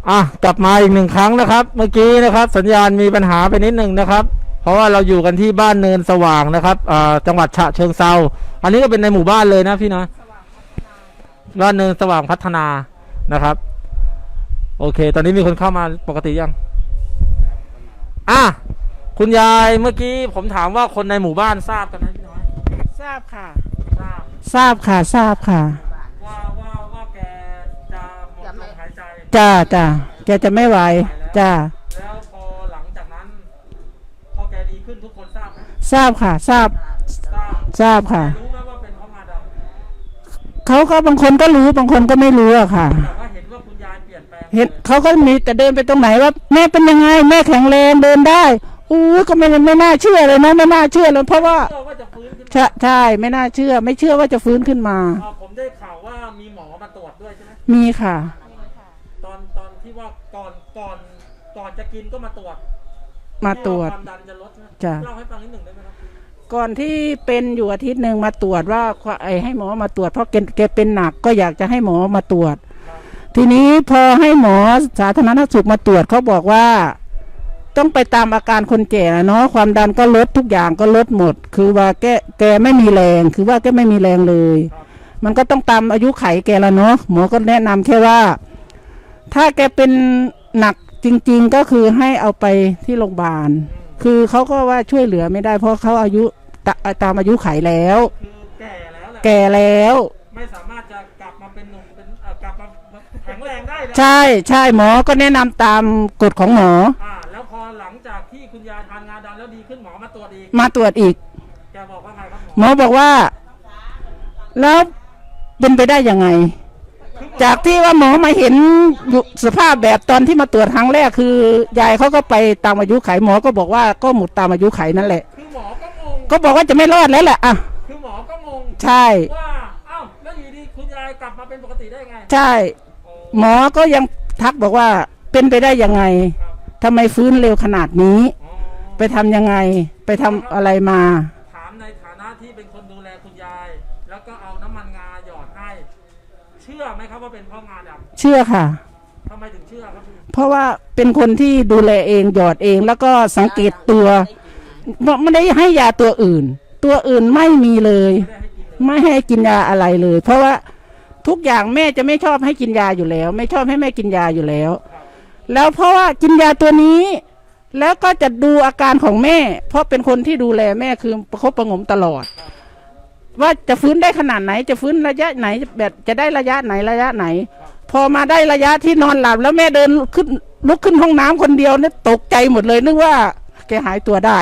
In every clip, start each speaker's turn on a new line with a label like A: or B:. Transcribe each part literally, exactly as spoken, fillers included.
A: อ่ะกลับมาอีกหนึ่งครั้งนะครับเมื่อกี้นะครับสัญญาณมีปัญหาไปนิดหนึ่งนะครับเพราะว่าเราอยู่กันที่บ้านเนินสว่างนะครับอ่าจังหวัดฉะเชิงเทราอันนี้ก็เป็นในหมู่บ้านเลยนะพี่นะบ้านเนินสว่างพัฒนานะครับโอเคตอนนี้มีคนเข้ามาปกติยังอ่ะคุณยายเมื่อกี้ผมถามว่าคนในหมู่บ้านทราบกันไหมพี่น้อย
B: ทราบค่ะ
A: ทราบ
B: ทราบค่ะทราบค่ะ
A: ว่าว่าว่าแกจะหมดลมหายใจ
B: จ้าจ้าแกจะไม่ไหวจ้า
A: แล้วพอหลังจากนั้นพอแกดีขึ้นทุกคนทราบไหม
B: ทราบค่ะทราบ
A: ทราบ
B: ทราบค่ะ
A: รู้ไหมว่าเป็นเพราะงาดำ
B: เขาก็บางคนก็รู้บางคนก็ไม่รู้อะค่ะ
A: แต่ว่าเห็นว่าคุณยายเปลี่ยนแปลง
B: เห็นเขาก็มีแต่เดินไปตรงไหนว่าแม่เป็นยังไงแม่แข็งแรงเดินได้อู้ก็ไม่ไม่น่าเชื่อเลยนะไม่น่าเชื่อเลยเพราะว่าใช่ใช่ไม่น่าเชื่อไม่เชื่อว่าจะฟื้นขึ้นมา
A: ผมได้ข่าวว่ามีหมอมาตรวจด้วยใช่ไหม
B: มีค่ะ
A: ตอนตอนที่ว่าก่อนก่อนก่อนจะกินก็มาตรวจ
B: มาตรวจ
A: ความดันจะลด
B: จ้ะ
A: เล่าให้ฟังนิดหนึ่งได้ไหมครับ
B: ก่อนที่เป็นอยู่อาทิตย์หนึ่งมาตรวจว่าไอ้ให้หมอมาตรวจเพราะแกแกเป็นหนักก็อยากจะให้หมอมาตรวจทีนี้พอให้หมอสาธารณสุขมาตรวจเขาบอกว่าต้องไปตามอาการคนแก่เนาะความดันก็ลดทุกอย่างก็ลดหมดคือว่าแกแกไม่มีแรงคือว่าแกไม่มีแรงเลยมันก็ต้องตามอายุไขแกแล้วเนาะหมอก็แนะนำแค่ว่าถ้าแกเป็นหนักจริงๆก็คือให้เอาไปที่โรงพยาบาลคือเขาก็ว่าช่วยเหลือไม่ได้เพราะเขาอายุตามอายุไขแล้ว
A: คือแก่แล้ว
B: แก่แล้ว
A: ไม่สามารถจะกลับมาเป็นหนุ่มเป็นกลับมาแข็งแรงได้
B: ใช่ใช่หมอก็แนะนำตามกฎของหมอ
A: อ่าแล้วพอหลังจากที่คุณยายทานงาดำแล้วดีขึ้นหมอมาตรวจอีก
B: มาตรวจอีก
A: แกบอกว่าไงครับ
B: หมอบอกว่าแล้วเป็นไปได้ยังไงจากที่ว่าหมอมาเห็นสภาพแบบตอนที่มาตรวจครั้งแรกคือยายเขาก็ไปตามอายุไขหมอก็บอกว่าก็หมดตามอายุไขนั่นแหละ
A: คือหมอก็งง
B: ก็บอกว่าจะไม่รอดแล้วแหละอ่ะ
A: คือหมอก็งง
B: ใช่
A: ว่าอ้าวแล้วอยู่ดีคุณยายกลับมาเป็นปกติได้ไง
B: ใช่หมอก็ยังทักบอกว่าเป็นไปได้ยังไงทำไมฟื้นเร็วขนาดนี้ไปทำยังไงไปทำอะไรมา
A: ถามในฐานะที่เป็นคนดูแลคุณยายแล้วก็เอาน้ำมันงาหยอดให้เชื่อไหมครับว่าเป็นเพราะงาดำ
B: เชื่อค่ะ
A: ทำไมถึงเชื่อครับ
B: เพราะว่าเป็นคนที่ดูแลเองหยอดเองแล้วก็สังเกตตัวไม่ได้ให้ยาตัวอื่นตัวอื่นไม่มีเลยไม่ให้กินยาอะไรเลยเพราะว่าทุกอย่างแม่จะไม่ชอบให้กินยาอยู่แล้วไม่ชอบให้แม่กินยาอยู่แล้วแล้วเพราะว่ากินยาตัวนี้แล้วก็จะดูอาการของแม่เพราะเป็นคนที่ดูแลแม่คือประคบประงมตลอดว่าจะฟื้นได้ขนาดไหนจะฟื้นระยะไหนแบบจะได้ระยะไหนระยะไหนพอมาได้ระยะที่นอนหลับแล้วแม่เดินขึ้นลุกขึ้นห้องน้ำคนเดียวเนี่ยตกใจหมดเลยนึกว่าแกหายตัวได้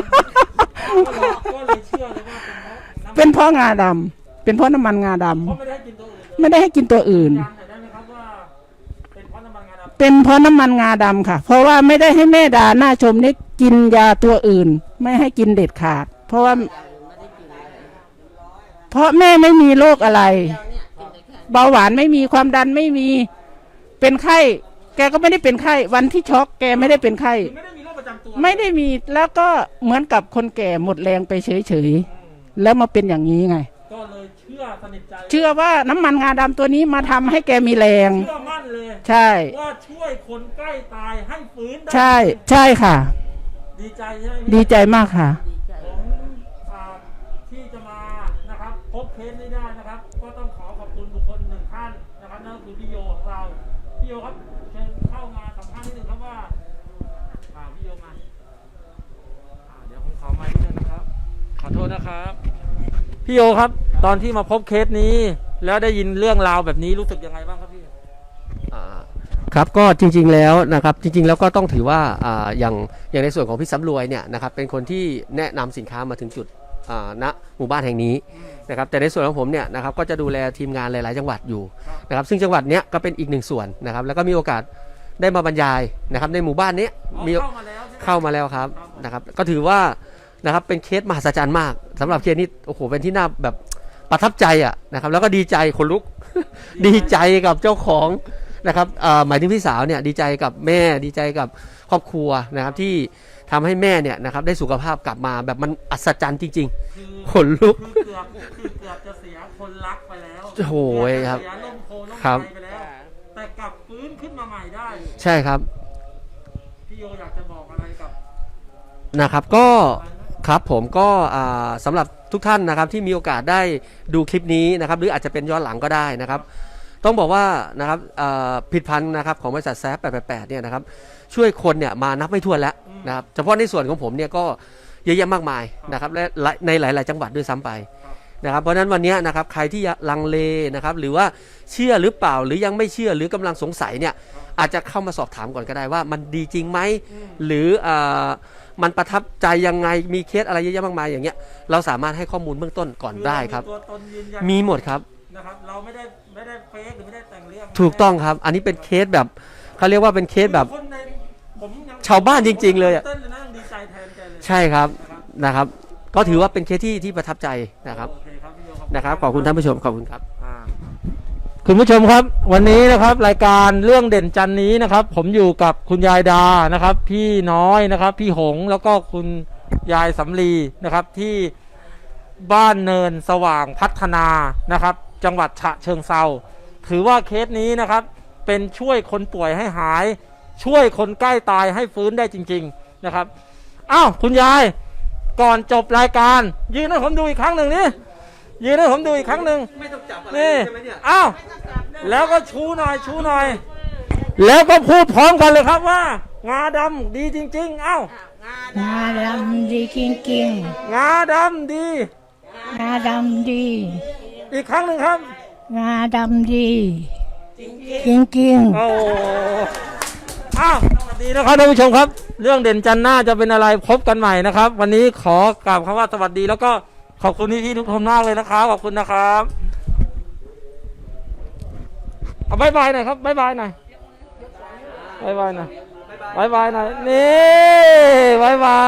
B: เป็นเพราะงาดำเป็นเพราะน้ำมันงาดำไม่ได้ให้กินตัวอื่นเป็นเพราะน้ำมันงาดำค่ะเพราะว่าไม่ได้ให้แม่ดาหน้าชมนี่กินยาตัวอื่นไม่ให้กินเด็ดขาดเพราะว่าเพราะแม่ไม่มีโรคอะไรเบาหวานไม่มีความดันไม่มีเป็นไข้แกก็ไม่ได้เป็นไข้วันที่ช็อกแกไม่ได้เป็นไข้
A: ไม่ได้มีโรคประจำตัว
B: ไม่ได้มีแล้วก็เหมือนกับคนแก่หมดแรงไปเฉยๆแล้วมาเป็นอย่างนี้ไง
A: ก็เลยเชื่อสนิทใจ
B: เชื่อว่าน้ำมันงาดำตัวนี้มาทำให้แกมีแรง
A: เชื่อมั่นเลย
B: ใช่
A: ว่าช่วยคนใกล้ตายให้ฟื้นได้
B: ใช่ใช่ค่ะ
A: ดีใจใช่ไหม
B: ดีใจมากค่ะ
A: ผมที่จะมานะครับพบเคสนี้ได้นะครับก็ต้องขอขอบคุณบุคคลหนึ่งท่านนะครับนั่นคือพี่โยของเราพี่โยครับเชิญเข้ามาสัมภาษณ์นิดหนึ่งครับว่าพี่โยมาเดี๋ยวผมขอไมค์นิดนึงนะครับขอโทษนะครับพี่โยครับตอนที่มาพบเคสนี้แล้วได้ยินเรื่องราวแบบนี้รู้สึกยังไงบ้างครับพี่
C: ครับก็จริงๆแล้วนะครับจริงๆแล้วก็ต้องถือว่าอ่าอย่างอย่างในส่วนของพี่สำรวยเนี่ยนะครับเป็นคนที่แนะนำสินค้ามาถึงจุดอ่าณหมู่บ้านแห่งนี้นะครับแต่ในส่วนของผมเนี่ยนะครับก็จะดูแลทีมงานหลายๆจังหวัดอยู่นะครับซึ่งจังหวัดเนี้ยก็เป็นอีกหนึ่งส่วนนะครับแล้วก็มีโอกาสได้มาบรรยายนะครับในหมู่บ้านนี้มีเข้ามาแล้วครับนะครับก็ถือว่านะครับเป็นเคสมหัศจรรย์มากสำหรับเคสนี้โอ้โหเป็นที่น่าแบบประทับใจอ่ะนะครับแล้วก็ดีใจขนลุกดีใจกับเจ้าของนะครับหมายถึงพี่สาวเนี่ยดีใจกับแม่ดีใจกับครอบครัวนะครับที่ทำให้แม่เนี่ยนะครับได้สุขภาพกลับมาแบบมันอัศจรรย์จริงๆขนลุก
A: คือเกือบคือเกือบจะเสียคนรักไปแล้ว
C: โอ้ยครับครับ
A: แต่แกกลับฟื้นขึ้นมาใหม่ได้
C: ใช่ครับ
A: พี่โยอยากจะบอกอะไรกับ
C: นะครับก็ครับผมก็อ่าสำหรับทุกท่านนะครับที่มีโอกาสได้ดูคลิปนี้นะครับหรืออาจจะเป็นย้อนหลังก็ได้นะครับ ต้องบอกว่านะครับอ่าผลิตภัณฑ์นะครับของบริษัทแซฟแปดแปดแปดเนี่ยนะครับช่วยคนเนี่ยมานับไม่ถ้วนแล้วนะครับเฉพาะในส่วนของผมเนี่ยก็เยอะแยะมากมายนะครับและในหลาย ๆ จังหวัดด้วยซ้ำไปนะครับเพราะฉะนั้นวันนี้นะครับใครที่ลังเลนะครับหรือว่าเชื่อหรือเปล่าหรือยังไม่เชื่อหรือกำลังสงสัยเนี่ยอาจจะเข้ามาสอบถามก่อนก็ได้ว่ามันดีจริงไหมหรืออ่ามันประทับใจยังไงมีเคสอะไรเยอะแยะมากมายอย่างเงี้ยเราสามารถให้ข้อมูลเบื้องต้นก่อนได้ครับ
A: ตัวตนยืนยัน
C: มีหมดครับ
A: นะครับเราไม่ได้ไม่ได้เฟกหรือไม่ได้แต่งเรื่อง
C: ถูกต้องครับอันนี้เป็นเคสแบบเขาเรียกว่าเป็นเคสแบบ
A: คนในผมยัง
C: ชาวบ้านจริงๆเลยอะ
A: ต้นเลยนะดีใจแทนแกเลย
C: ใช่ครับนะครับก็ถือว่าเป็นเคสที่ที่ประทับใจนะครับ
A: โอเคครับพี่โย
C: นะครับขอบคุณท่านผู้ชมขอบคุณครับ
A: อ่าคุณผู้ชมครับวันนี้นะครับรายการเรื่องเด่นจันนี้นะครับ ผมอยู่กับคุณยายดานะครับ พี่น้อยนะครับ พี่หงแล้วก็คุณยายสำลีนะครับที่บ้านเนินสว่างพัฒนานะครับ จังหวัดฉะเชิงเทราถือว่าเคสนี้นะครับเป็นช่วยคนป่วยให้หาย ช่วยคนใกล้ตายให้ฟื้นได้จริงๆนะครับอ้าวคุณยายก่อนจบรายการยืนให้ผมดูอีกครั้งหนึ่งนี่ยืนให้ผมดูอีกครั้งหนึ่ง
C: ไม่ต้องจับอะไร
A: นี่
C: ใช่ไหมเนี่ย
A: อ้าวแล้วก็ชูหน่อยชูหน่อย แล้วก็พูดพร้อมกันเลยครับว่างาดำดีจริงๆอ้าว
D: งาดำดีจริง
A: งาดำดี
D: ๆงาดำดี
A: อีกครั้งหนึ่งครับ
D: งาดำดี จริงๆ
A: โอ้อ้าวสวัสดีนะครับท่านผู้ชมครับ เรื่องเด่นจันทร์หน้าจะเป็นอะไรพบกันใหม่นะครับ วันนี้ขอกราบคำว่าสวัสดีแล้วก็ขอบคุณพี่ๆทุกคนมากเลยนะครับขอบคุณนะครับเอาบายบายหน่อยครับบายบายหน่อยบายบายหน่อยบายบายหน่อยนี่บายบา